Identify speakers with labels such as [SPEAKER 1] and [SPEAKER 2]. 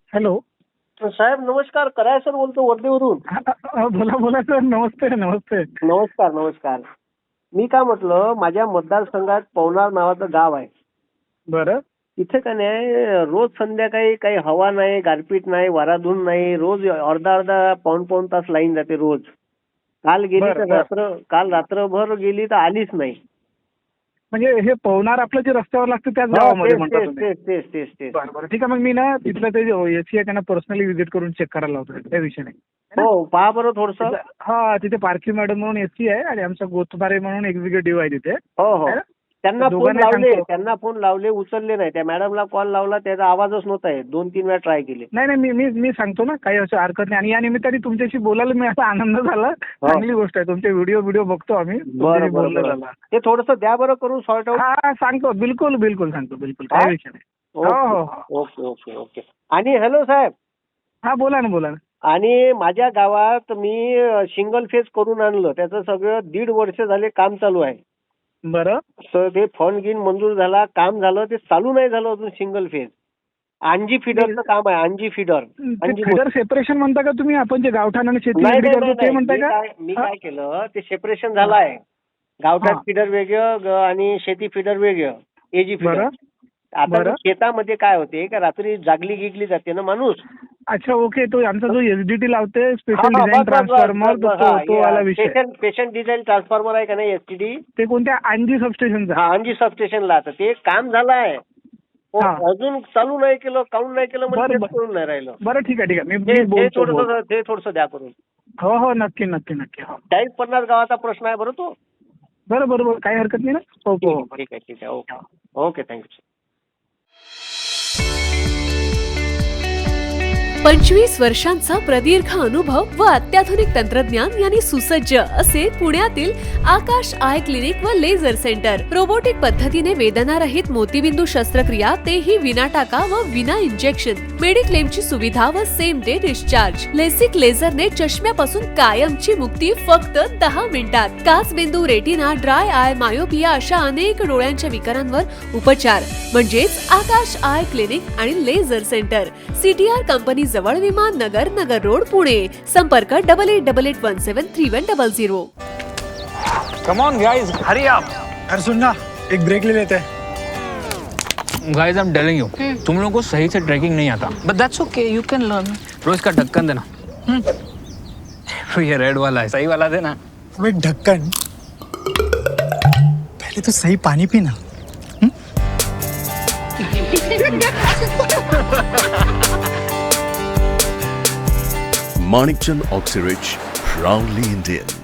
[SPEAKER 1] Hello.
[SPEAKER 2] साहेब नमस्कार. कराय sir बोलतो वर्धेवरून.
[SPEAKER 1] बोला बोला सर. नमस्ते नमस्ते.
[SPEAKER 2] नमस्कार नमस्कार. मी काय म्हटलं, माझ्या मतदारसंघात पवनार नावाचं गाव आहे.
[SPEAKER 1] बरं.
[SPEAKER 2] तिथे का नाही रोज संध्याकाळी काही हवा नाही, गारपीट नाही, वाराधून नाही, रोज अर्धा अर्धा पाऊण तास लाईन जाते रोज. काल गेली तर काल रात्रभर गेली तर आलीच नाही.
[SPEAKER 1] म्हणजे हे पवनार आपलं जे रस्त्यावर लागतं त्याच गावामध्ये म्हणतात तुम्ही?
[SPEAKER 2] तेच.
[SPEAKER 1] बरं बरं ठीक आहे. मग मी ना तिथलं ते एसी आहे त्यांना पर्सनली व्हिजिट करून चेक करायला लावतो. त्या विषय नाही.
[SPEAKER 2] हो पहा बरं थोडस.
[SPEAKER 1] हा तिथे पारखी मॅडम म्हणून एसी आहे आणि आमचा गोतबारे म्हणून एक्झिक्युटिव्ह आहे तिथे.
[SPEAKER 2] हो त्यांना फोन लावले उचलले नाही. त्या मॅडमला कॉल लावला त्याचा आवाजच नव्हता येत. 2-3 वेळा ट्राय केले.
[SPEAKER 1] नाही मी सांगतो ना, काही असं हरकत नाही. आणि या निमित्ताने तुमच्याशी बोलायला मी असा आनंद झाला. चांगली गोष्ट आहे. तुमचे व्हिडिओ बघतो आम्ही.
[SPEAKER 2] बरं ते थोडस द्या बरं करून सॉर्ट आउट.
[SPEAKER 1] हा सांगतो. बिलकुल सांगतो. काही विषय नाही. हो.
[SPEAKER 2] ओके. आणि हॅलो साहेब.
[SPEAKER 1] हा बोला ना.
[SPEAKER 2] आणि माझ्या गावात मी सिंगल फेज करून आणलं. त्याचं सगळं 1.5 वर्ष झाले काम चालू आहे.
[SPEAKER 1] बरं.
[SPEAKER 2] तर ते फंड गिन मंजूर झाला, काम झालं, ते चालू नाही झालं अजून सिंगल फेज. अंजी फिडरचं काम आहे. अंजी फिडर
[SPEAKER 1] सेपरेशन म्हणता का तुम्ही? आपण जे गावठाण आणि शेती करतो ते म्हणताय का?
[SPEAKER 2] मी काय केलं, ते सेपरेशन झालं आहे. गावठाण फिडर वेगळं आणि शेती फिडर वेगळं. AG feeder. आता शेतामध्ये काय होते का रात्री जागली गिगली जाते ना माणूस.
[SPEAKER 1] अच्छा ओके. तो आमचा जो एसडीटी लावते स्पेशल डिझाइन ट्रान्सफॉर्मर तो वाला विषय.
[SPEAKER 2] स्पेशल डिझाइन ट्रान्सफॉर्मर आहे का नाही एसटीडी,
[SPEAKER 1] ते कोणत्या अंजी सबस्टेशनचा?
[SPEAKER 2] हा अंजी सबस्टेशनला. आता ते काम झालं आहे. अजून चालू नाही केलं, काऊन नाही केलं म्हणजे करून नाही राहिलं.
[SPEAKER 1] बरं ठीक आहे.
[SPEAKER 2] ते थोडंसं द्या करून.
[SPEAKER 1] हो नक्की.
[SPEAKER 2] 40-50 गावाचा प्रश्न आहे बरं तो.
[SPEAKER 1] बरोबर काही हरकत नाही ना.
[SPEAKER 2] ठीक आहे. Okay thank you.
[SPEAKER 3] 25 वर्षांचा प्रदीर्घ अनुभव व अत्याधुनिक तंत्रज्ञान यांनी सुसज्ज असे पुण्यातील आकाश आय क्लिनिक व लेझर सेंटर. रोबोटिक पद्धतीने वेदनारहित मोतीबिंदू शस्त्रक्रिया, तेही विना टाका व विना इंजेक्शन. मेडिक्लेमची सुविधा व सेम डे डिस्चार्ज. लेसिक लेझरने चष्म्यापासून कायमची मुक्ती फक्त 10 मिनिटात. काचबिंदू, रेटिना, ड्राय आय, मायोपिया अशा अनेक डोळ्यांच्या विकारांवर उपचार म्हणजेच आकाश आय क्लिनिक आणि लेझर सेंटर. CTR कंपनी जवळ, विमान नगर रोड, पुणे. संपर्क 8888173100.
[SPEAKER 4] Come on guys, hurry up.
[SPEAKER 5] यार सुन ना, एक ब्रेक ले लेते हैं.
[SPEAKER 4] Guys, I'm telling you, तुम लोगों को सही से ट्रैकिंग नहीं आता. But that's okay, you can learn. रोज का ढक्कन देना. ये रेड वाला है, सही वाला देना.
[SPEAKER 5] अबे ढक्कन, पहले तो सही पानी पीना.
[SPEAKER 6] Manikchand Oxyrich, proudly Indian.